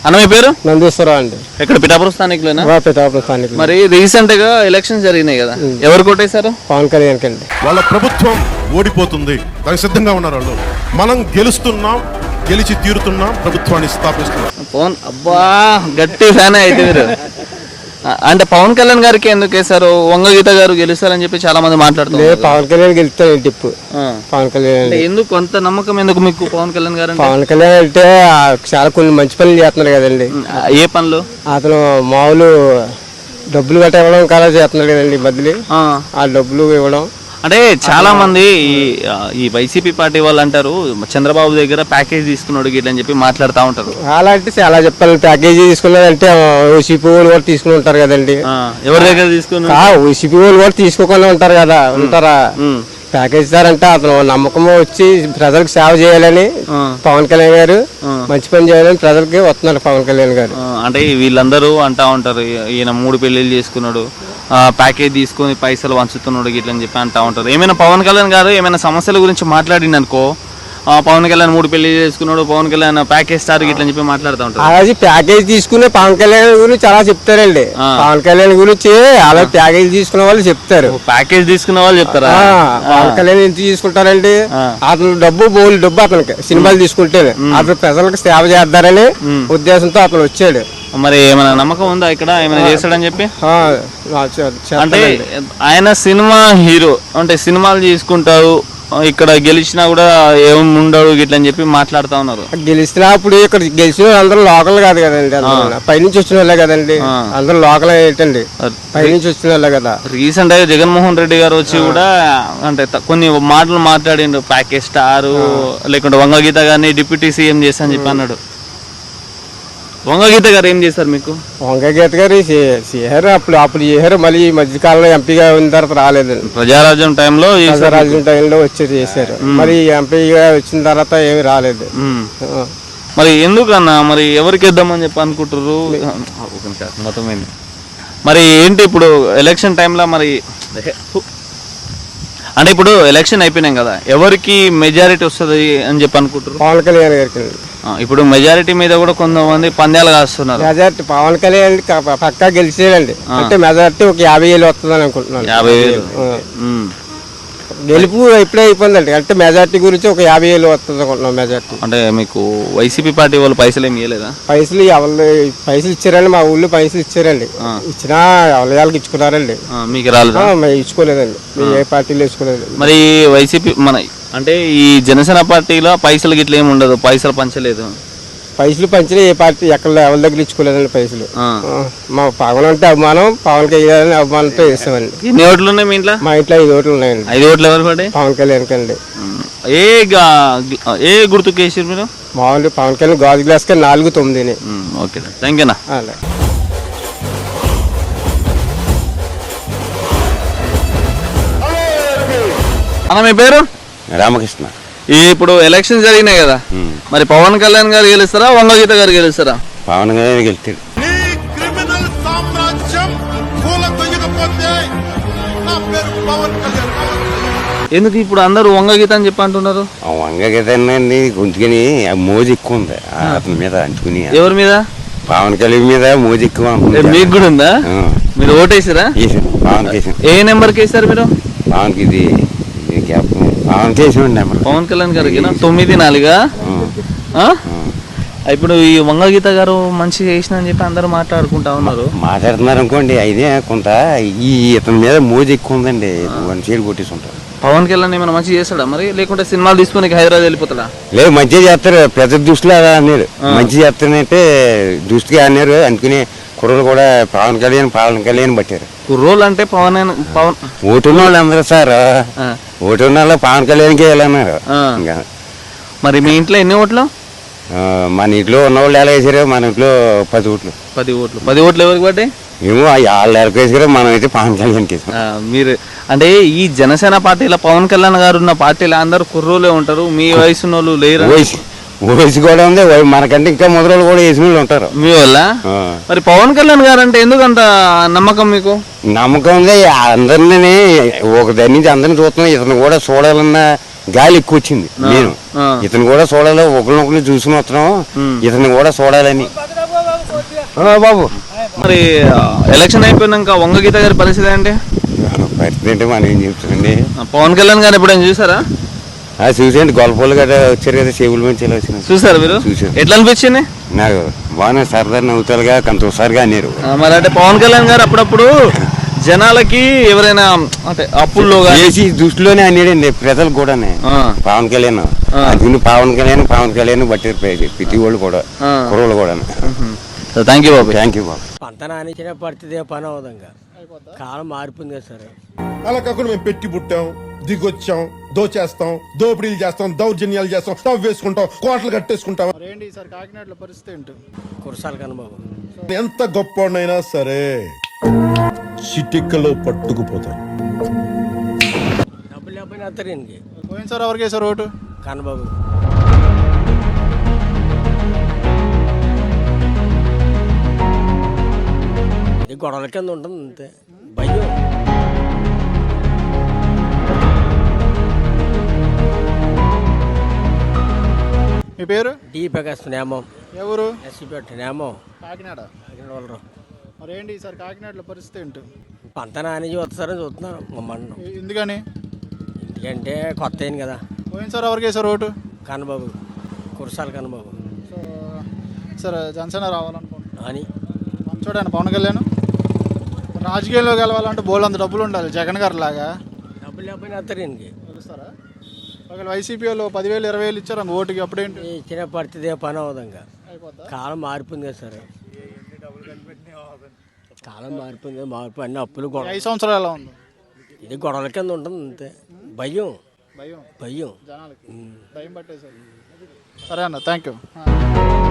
అన్న మీ పేరు? నందీశ్వరరావు అండి. ఎక్కడ పిఠాపురం స్థానికులేనా? పిఠాపురం స్థానికులు. మరి రీసెంట్ గా ఎలక్షన్స్ జరిగినాయి కదా, ఎవరు కొట్టేశారు? పవన్ కళ్యాణ్ అండి. వాళ్ళ ప్రభుత్వం ఓడిపోతుంది, దానికి సిద్ధంగా ఉన్నారు వాళ్ళు. మనం గెలుస్తున్నాం, గెలిచి తీరుతున్నాం, ప్రభుత్వాన్ని స్థాపిస్తున్నాం. పవన్ అబ్బా గట్టి ఫ్యాన్ అయితే మీరు. అంటే పవన్ కళ్యాణ్ గారికి ఎందుకు వేశారు? వంగగీత గారు గెలుస్తారని చెప్పి చాలా మంది మాట్లాడుతున్నారు. పవన్ కళ్యాణ్ గెలుస్తారండి ఇప్పుడు. పవన్ కళ్యాణ్ ఎందుకు కొంత నమ్మకం ఎందుకు మీకు పవన్ కళ్యాణ్ గారు? పవన్ కళ్యాణ్ అంటే చాలా కొన్ని మంచి పనులు చేస్తున్నారు కదండి. ఏ పనులు? అతను మామూలు డబ్బులు గట్ట ఇవ్వడం కదా చేస్తున్నారు కదండి. బదిలీ ఆ డబ్బులు ఇవ్వడం. అంటే చాలా మంది ఈ వైసీపీ పార్టీ వాళ్ళు అంటారు చంద్రబాబు దగ్గర ప్యాకేజ్ తీసుకున్నాడు గిట్ల అని చెప్పి మాట్లాడుతూ ఉంటారు. అలా అంటే చాలా చెప్పాలి. ప్యాకేజీ తీసుకున్నారంటే ఓసీపీ వాళ్ళు కూడా తీసుకుని ఉంటారు కదండి. ఎవరి దగ్గర తీసుకున్నారు? ఓసీపీ వాళ్ళు కూడా తీసుకోకుండా ఉంటారు కదా. ఉంటారా? ప్యాకేజ్ ఇస్తారంటే అతను నమ్మకం వచ్చి ప్రజలకు సేవ చేయాలని పవన్ కళ్యాణ్ గారు మంచి పని చేయాలని ప్రజలకి వస్తున్నారు పవన్ కళ్యాణ్ గారు. అంటే వీళ్ళందరూ అంటా ఉంటారు ఈయన 3 పెళ్లిళ్ళు చేసుకున్నాడు, ప్యాకేజ్ తీసుకొని పైసలు వంచుతున్నాడు గిట్ల అని చెప్పి అంటా ఉంటారు. ఏమైనా పవన్ కళ్యాణ్ గారు ఏమైనా సమస్యల గురించి మాట్లాడింది అనుకో, పవన్ కళ్యాణ్ 3 పెళ్లి చేసుకున్నాడు, పవన్ కళ్యాణ్ ప్యాకేజ్ స్టార్ గిట్ల అని చెప్పి మాట్లాడుతూ ఉంటారు. అలాగే ప్యాకేజ్ తీసుకునే పవన్ కళ్యాణ్ గురించి చాలా చెప్తారండి. పవన్ కళ్యాణ్ గురించి అలా ప్యాకేజ్ తీసుకునే వాళ్ళు చెప్తారు. ప్యాకేజ్ తీసుకునే వాళ్ళు చెప్తారా? పవన్ కళ్యాణ్ ఎంత తీసుకుంటారండి? అతను డబ్బు అతనికి సినిమాలు తీసుకుంటే అతను ప్రజలకు సేవ చేద్దారని ఉద్దేశంతో అతను వచ్చాడు. మరి ఏమైనా నమ్మకం ఉందా ఇక్కడ ఏమైనా చేస్తాడని చెప్పి? అంటే ఆయన సినిమా హీరో అంటే సినిమాలు తీసుకుంటారు, ఇక్కడ గెలిచినా కూడా ఏమి ఉండడు గిట్లని చెప్పి మాట్లాడుతూ ఉన్నారు. గెలిచినప్పుడు ఇక్కడ గెలిచిన అందరూ లోకల్ కాదు కదండి, పైనుంచి వచ్చిన వాళ్ళే కదండి. అందరూ లోకల్ ఏంటండి, పైనుంచి వచ్చిన వాళ్ళే కదా. రీసెంట్ గా జగన్మోహన్ రెడ్డి గారు వచ్చి కూడా అంటే కొన్ని మాటలు మాట్లాడిండు, ప్యాకేజ్ స్టార్ లేకుంటే వంగగీత గారిని డిప్యూటీ సీఎం చేస్తా అని చెప్పి అన్నాడు. వంగగీత గారు ఏం చేశారు మీకు? వంగగీత గారు చేశారు, అప్పుడు చేశారు. మళ్ళీ ఈ మధ్యకాలంలో ఎంపీగా ఉన్న తర్వాత రాలేదండి. ప్రజారాజ్యం టైంలో వచ్చి చేశారు. మరి ఎంపీగా వచ్చిన తర్వాత ఏమి రాలేదు. మరి ఎందుకన్నా మరి ఎవరికి ఇద్దామని చెప్పి అనుకుంటారు మొత్తమైంది? మరి ఏంటి ఇప్పుడు ఎలక్షన్ టైంలో మరి అంటే ఇప్పుడు ఎలక్షన్ అయిపోయినాం కదా, ఎవరికి మెజారిటీ వస్తుంది అని చెప్పి అనుకుంటారు? పవన్ కళ్యాణ్ గారికి. ఇప్పుడు మెజారిటీ మీద కూడా కొంతమంది పందాలు కాస్తున్నారు. మెజారిటీ పవన్ కళ్యాణ్ పక్కా గెలిచేయాలండి. అంటే మెజారిటీ ఒక 50,000 వస్తుందని అనుకుంటున్నాను. 50,000 గెలుపు ఇప్పుడే అయిపోయిందండి. అంటే మెజారిటీ గురించి ఒక 50,000 వస్తుంది అనుకుంటున్నాం మెజారిటీ. అంటే మీకు వైసీపీ పార్టీ వాళ్ళు పైసలు ఏమి ఇవ్వలేదా? పైసలు ఇచ్చారండి, మా ఊళ్ళో పైసలు ఇచ్చారండి. ఇచ్చినా వాళ్ళకి ఇచ్చుకున్నారండి. మీకు రాలేదు? ఇచ్చుకోలేదండి. ఏ పార్టీలో ఇచ్చుకోలేదు. మరి వైసీపీ మన అంటే ఈ జనసేన పార్టీలో పైసలు గిట్ల ఏమి ఉండదు, పైసలు పంచలేదు. పైసలు పంచిన ఏ పార్టీ ఎక్కడ ఎవరి దగ్గర ఇచ్చుకోలేదండి పైసలు. మా పవన్ అంటే అభిమానం, పవన్ కళ్యాణ్ అభిమానంతో వేస్తామండి. ఎన్ని ఓట్లు ఉన్నాయి మీ ఇంట్లో? మా ఇంట్లో 5 ఓట్లు ఉన్నాయండి. 5 ఓట్లు ఎవరు పడే? పవన్ కళ్యాణ్ కండి. ఏ గుర్తుకు వేసారు మీరు? మామూలు పవన్ కళ్యాణ్ గాజు గ్లాస్ కి 4-9. Okay, thank you. అన్న మీ పేరు? రామకృష్ణ. ఇప్పుడు ఎలక్షన్ జరిగినాయి కదా, మరి పవన్ కళ్యాణ్ గారు గెలుస్తారా వంగగీత గారు గెలుస్తారా? పవన్ కళ్యాణ్ గెలుస్తాడు. ఎందుకు ఇప్పుడు అందరూ వంగగీత అని చెప్పి అంటున్నారు? వంగగీత గొంతుకుని మోజు ఎక్కువ ఉంది అతని మీద అంటుకుని. ఎవరి మీద? పవన్ కళ్యాణ్ మీద మోజు ఎక్కువ. మీకు కూడా ఉందా? మీరు ఓటేసారా? పవన్ కేసాం. ఏ నెంబర్కి వేసారు మీరు? పవన్కి ఇది పవన్ కేసామండి. పవన్ కళ్యాణ్ గారికి 9-4. ఇప్పుడు ఈ వంగగీత గారు మంచి చేసిన అని చెప్పి అందరూ మాట్లాడుకుంటా ఉన్నారు. మాట్లాడుతున్నారు అనుకోండి, అయితే కొంత ఈ ఇతని మీద మోజు ఎక్కువ ఉందండి. 1 సైడ్ కొట్టేసి ఉంటారు. పవన్ కళ్యాణ్ ఏమైనా మంచి చేస్తాడా మరి, లేకుంటే సినిమాలు తీసుకుని హైదరాబాద్ వెళ్ళిపోతాడా? లేదు, మంచిగా చేస్తారు. ప్రజల దృష్టిలో అలా అన్నారు. మంచి చేస్తానంటే దృష్టిగా అన్నారు. అందుకని కుర్రలు కూడా పవన్ కళ్యాణ్ పట్టారు. కుర్రోళ్ళు అంటే పవన్ ఓటున్న వాళ్ళు అందరూ సార్, ఓటున్న వాళ్ళు పవన్ కళ్యాణ్కి వెళ్ళన్నారు. మరి మీ ఇంట్లో ఎన్ని ఓట్లు? మన ఇంట్లో ఉన్న వాళ్ళు ఎలా వేసారు? మన ఇంట్లో 10 ఓట్లు. 10 ఓట్లు. 10 ఓట్లు ఎవరికి పడ్డాయి? మేము వాళ్ళు ఎవరికి వేసారో మనం అయితే పవన్ కళ్యాణ్కి వేసాం. మీరు అంటే ఈ జనసేన పార్టీలో పవన్ కళ్యాణ్ గారు ఉన్న పార్టీలో అందరూ కుర్రోలే ఉంటారు, మీ వయసు వాళ్ళు లేరు. వయసు కూడా ఉంది, మనకంటే ఇంకా మొదలు కూడా వేసిన వాళ్ళు ఉంటారు మీ వల్ల. మరి పవన్ కళ్యాణ్ గారు అంటే ఎందుకంత నమ్మకం మీకు? నమ్మకం ఉంది. అందరినీ ఒక దాని నుంచి అందరిని చూస్తున్నాం. ఇతను కూడా చూడాలన్న గాలి ఎక్కువ వచ్చింది. నేను ఇతను కూడా చూడాలి, ఒకరినొకరిని చూసుకుని వస్తున్నాం, ఇతను కూడా చూడాలని. బాబు మరి ఎలక్షన్ అయిపోయినాక వంగ గీత గారి పరిస్థితి ఏంటి? పరిస్థితి అంటే మనం ఏం చెప్తుందండి. పవన్ కళ్యాణ్ గారు ఎప్పుడైనా చూసారా? చూసాండి, గొల్లపల్లి గట్రా వచ్చారు కదా, చెవుల నుంచి ఇలా వచ్చిన చూసారు మీరు? చూసాను. ఎట్లా అనిపించింది? నాకు బాగానే సరదా నవ్వుతారుగా, కంతోసారిగా అన్నారు. మరి అంటే పవన్ కళ్యాణ్ గారు అప్పుడప్పుడు జనాలకి ఎవరైనా అంటే అప్పుల్లో చేసి దృష్టిలోనే అన్నాడండి ప్రజలు కూడా. పవన్ కళ్యాణ్ అందుకని పవన్ కళ్యాణ్ బట్టారు ప్రతి వాళ్ళు కూడా, కుర్రోళ్ళు కూడా. థ్యాంక్ యూ బాబు. థ్యాంక్ యూ బాబు. పంట నానించిన పడితే పని అవుదంగా, కాలం మారిపోయింది కదా సార్. అలా కాకుండా మేము పెట్టి పుట్టాం, దిగొచ్చాం, దోచేస్తాం, దోపిడీలు చేస్తాం, దౌర్జన్యాలు చేస్తాం, స్టవ్ వేసుకుంటాం, కోటలు కట్టేసుకుంటాం. ఏంటి సార్ కాకినాడలో పరిస్థితి ఏంటి? కురసాలు కనబాబు ఎంత గొప్పనైనా సరే చిటికలో పట్టుకుపోతారు. డబ్బులు లేకపోయినా వస్తారు ఈయనకి. పోయిన సార్ ఎవరికి వేసారు ఓటు? కనబాబు ఇది గొడవల కింద ఉంటుంది అంతే, భయం. మీ పేరు? డి ప్రకాశ్ నేమం. ఎవరు? ఎస్సీపేట నేమం, కాకినాడ. కాకినాడ వాళ్ళు. మరి ఏంటి సార్ కాకినాడలో పరిస్థితి ఏంటి? పంట నాని చూస్తారని చూస్తున్నాను మమ్మల్ని. ఎందుకని? ఎందుకంటే కొత్త అయింది కదా. పోయిన సార్ ఎవరికి వేసారు ఓటు? కనబాబు, కురసాలు కనబాబు సో సార్ జనసేన రావాలనుకుంటున్నాను అని. చూడండి పవన్ కళ్యాణ్ రాజకీయాల్లో గెలవాలంటే బోలంత డబ్బులు ఉండాలి, జగన్ గారు లాగా. డబ్బులు లేకపోయినా వస్తారు ఈయనకి. తెలుస్తారా? ఒకవేళ వైసీపీ వాళ్ళు 10,000 20,000 ఇచ్చారు అంక ఓటుకి, అప్పుడేంటి? ఇచ్చిన పరిస్థితి పని అవుదంగా, అయిపోద్దా? కాలం మారిపోయింది కదా సార్. కాలం మారిపోయింది కదా, మార్పు అన్ని అప్పులు గొడవ. 5 సంవత్సరాలు ఎలా ఉంది? ఇది గొడవల కింద ఉంటుంది అంతే, భయం భయం భయం. జనాలకి భయం పట్టేసారు. సరే అన్న, థ్యాంక్ యూ.